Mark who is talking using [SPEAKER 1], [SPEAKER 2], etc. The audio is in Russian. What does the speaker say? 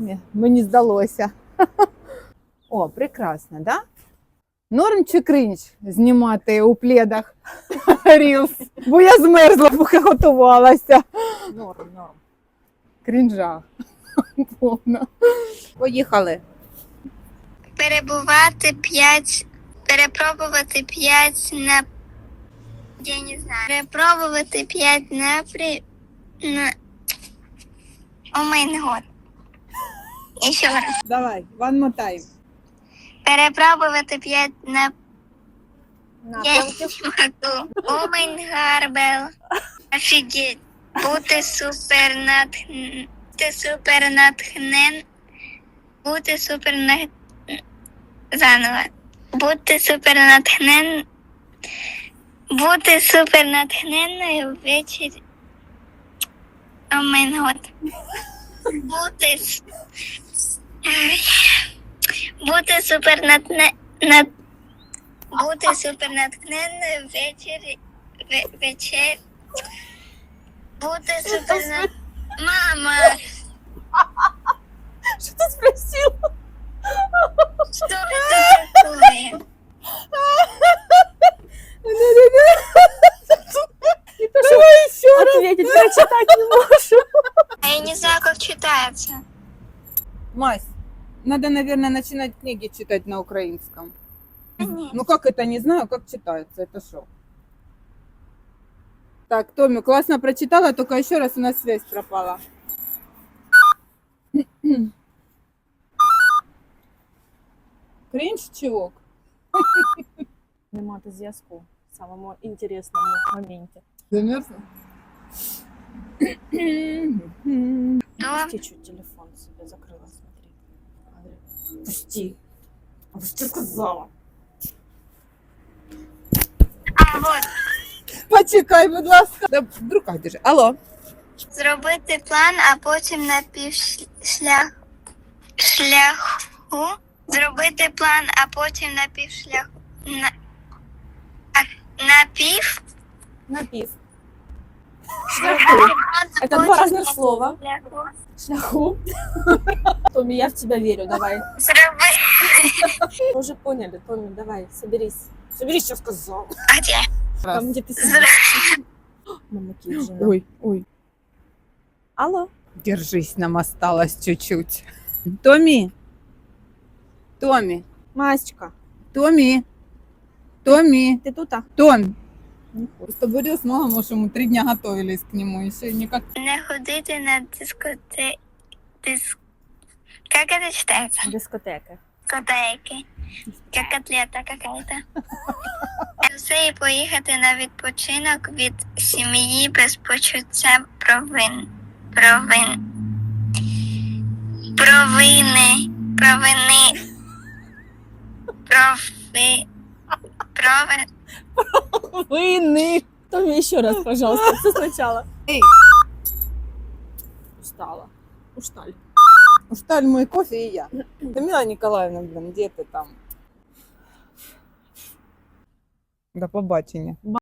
[SPEAKER 1] Ні, мені здалося. О, прекрасно, да? Норм чи кринж знімати у пледах рілс? Бо я змерзла, поки готувалася.
[SPEAKER 2] Норм.
[SPEAKER 1] Крінжа. Повно. Поїхали.
[SPEAKER 3] Перепробувати 5 на... Я не знаю. Перепробувати 5 О май год. Еще раз.
[SPEAKER 1] Давай, one more time.
[SPEAKER 3] Перепробувати 5 на... Я не могу. О май гарбел. Офігеть. Бути супер натхнен. Заново. Бути супер натхненною ввечері. О май год. Бути супер натхненною ввечері. Бути супер Мама!
[SPEAKER 1] Що ти спросила?
[SPEAKER 3] Что это такое?
[SPEAKER 1] Давай еще раз.
[SPEAKER 2] Ответить, прочитать не можу.
[SPEAKER 3] А я не знаю, как читается.
[SPEAKER 1] Мась, надо, наверное, начинать книги читать на украинском.
[SPEAKER 3] Нет.
[SPEAKER 1] Ну как это, не знаю, как читается, это что? Так, Томми, классно прочитала, только еще раз у нас связь пропала. Кринж, чувак?
[SPEAKER 2] Не мати зв'язку в самому інтересному моменті.
[SPEAKER 1] Замерзла?
[SPEAKER 3] То
[SPEAKER 2] Чуть-чуть телефон себе закрила, смотри. Говорю, пусти. А что ты сказала?
[SPEAKER 3] А вот
[SPEAKER 1] Почекай, будь ласка. Да, в руках держи. Алло.
[SPEAKER 3] зробити план, а потім на шляху. Зробити план, а потім на півшляху.
[SPEAKER 2] Напив.
[SPEAKER 3] Зробити план, а
[SPEAKER 2] Это два
[SPEAKER 3] потім
[SPEAKER 2] разных
[SPEAKER 3] на
[SPEAKER 2] слова.
[SPEAKER 3] шляху.
[SPEAKER 2] Шляху. Томми, я в тебя верю, давай.
[SPEAKER 3] Зробити.
[SPEAKER 2] Мы уже поняли, Томми, давай, соберись. Соберись, что сказал.
[SPEAKER 3] А де?
[SPEAKER 2] Там, где ты сидишь. Мама Киджина.
[SPEAKER 1] Ой.
[SPEAKER 2] Алло.
[SPEAKER 1] Держись, нам осталось чуть-чуть. Томми.
[SPEAKER 2] Масечка,
[SPEAKER 1] Томми.
[SPEAKER 2] ты тут?
[SPEAKER 1] Том. С тобой с мамой, может, мы 3 дня готовились к нему, еще никак.
[SPEAKER 3] Не ходити на Как это читается?
[SPEAKER 2] Дискотека.
[SPEAKER 3] Котейки. Як котлета какая-то. Все і поїхати на відпочинок від сім'ї без почуття провини.
[SPEAKER 2] Войны. Томми, еще раз, пожалуйста, все сначала.
[SPEAKER 1] Эй.
[SPEAKER 2] Устала. Устали.
[SPEAKER 1] Устали мой кофе и я. Тамила Николаевна, блин, где ты там? До побачення.